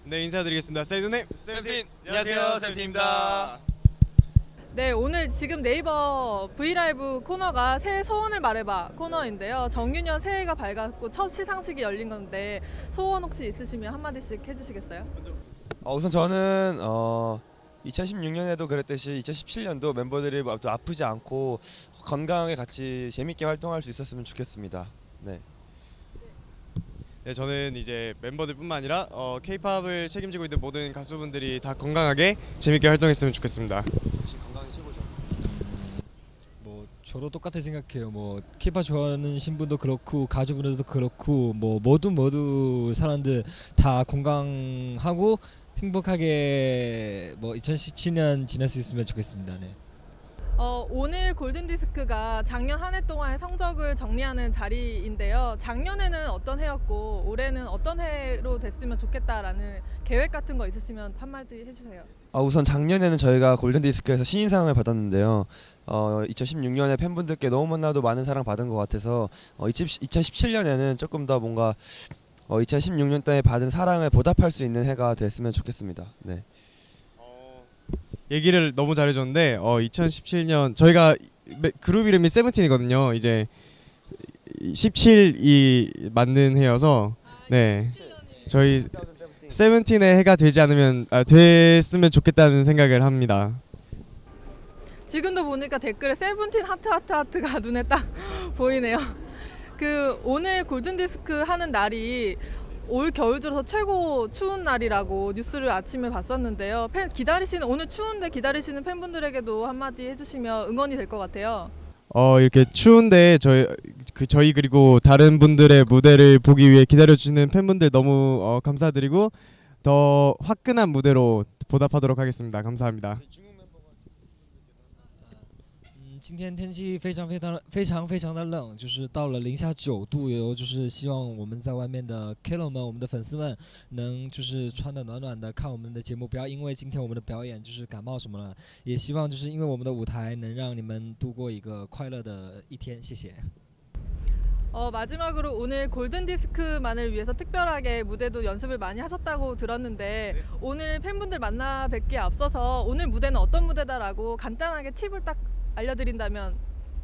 네, 인사드리겠습니다. 세이드님, 세븐틴! 안녕하세요, 세븐틴입니다. 네, 오늘 지금 네이버 브이라이브 코너가 새해 소원을 말해봐 코너인데요. 정유년 새해가 밝았고 첫 시상식이 열린 건데 소원 혹시 있으시면 한마디씩 해주시겠어요? 우선 저는 2016년에도 그랬듯이 2017년도 멤버들이 또 아프지 않고 건강하게 같이 재밌게 활동할 수 있었으면 좋겠습니다. 네. 네, 저는 이제 멤버들뿐만 아니라 K-팝을 책임지고 있는 모든 가수분들이 다 건강하게 재밌게 활동했으면 좋겠습니다. 건강이 최고죠. 뭐 저도 똑같이 생각해요. 뭐 K-팝 좋아하는 신분도 그렇고 가족분들도 그렇고 뭐 모두 사람들 다 건강하고 행복하게 뭐 2017년 지낼 수 있으면 좋겠습니다. 네. 오늘 골든디스크가 작년 한 해 동안의 성적을 정리하는 자리인데요. 작년에는 어떤 해였고 올해는 어떤 해로 됐으면 좋겠다라는 계획 같은 거 있으시면 한마디 해주세요. 우선 작년에는 저희가 골든디스크에서 신인상을 받았는데요. 2016년에 팬분들께 너무나도 많은 사랑 받은 것 같아서 2017년에는 조금 더 뭔가 2016년 때 받은 사랑을 보답할 수 있는 해가 됐으면 좋겠습니다. 네. 얘기를 너무 잘해줬는데 2017년 저희가 그룹 이름이 세븐틴이거든요. 이제 17이 맞는 해여서 네, 저희 세븐틴의 해가 되지 않으면 됐으면 좋겠다는 생각을 합니다. 지금도 보니까 댓글에 세븐틴 하트가 눈에 딱 보이네요. 그 오늘 골든디스크 하는 날이 올 겨울 들어서 최고 추운 날이라고 뉴스를 아침에 봤었는데요. 오늘 추운데 기다리시는 팬분들에게도 한마디 해주시면 응원이 될 것 같아요. 이렇게 추운데 저희 그리고 다른 분들의 무대를 보기 위해 기다려주시는 팬분들 너무 감사드리고 더 화끈한 무대로 보답하도록 하겠습니다. 감사합니다. 今天天气非常的冷，就是到了零下9度，就是希望我们在外面的 Kilo 们，我们的粉丝们能就是穿的暖暖的看我们的节目，不要因为今天我们的表演就是感冒什么了，也希望就是因为我们的舞台能让你们度过一个快乐的一天，谢谢。 마지막으로 오늘 골든디스크만을 위해서 특별하게 무대도 연습을 많이 하셨다고 들었는데 오늘 팬분들 만나 뵙기에 앞서서 오늘 무대는 어떤 무대다라고 간단하게 팁을 딱 알려드린다면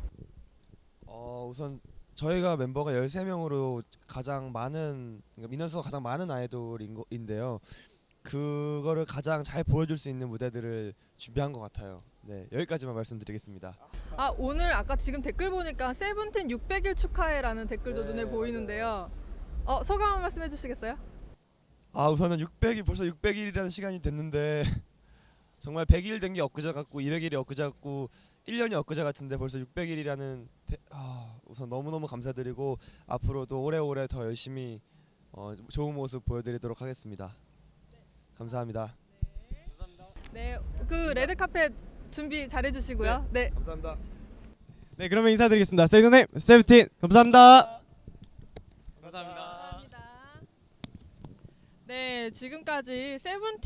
우선 저희가 멤버가 13명으로 가장 많은 민원수가 가장 많은 아이돌인데요. 그거를 가장 잘 보여줄 수 있는 무대들을 준비한 것 같아요. 네, 여기까지만 말씀드리겠습니다. 오늘 아까 지금 댓글 보니까 세븐틴 600일 축하해라는 댓글도 눈에 보이는데요. 소감 한 말씀 해주시겠어요? 우선은 벌써 600일이라는 시간이 됐는데 정말 100일 된 게 엊그제 같고 200일이 엊그제 같고 1년이 엊그제 같은데 벌써 600일이라는 우선 너무너무 감사드리고 앞으로도 오래오래 더 열심히 좋은 모습 보여드리도록 하겠습니다. 감사합니다. 네, 그 레드카펫 준비 잘해주시고요. 네. 감사합니다. 네, 그러면 인사드리겠습니다. 세이드님, 세븐틴 감사합니다. 감사합니다. 네, 지금까지 세븐틴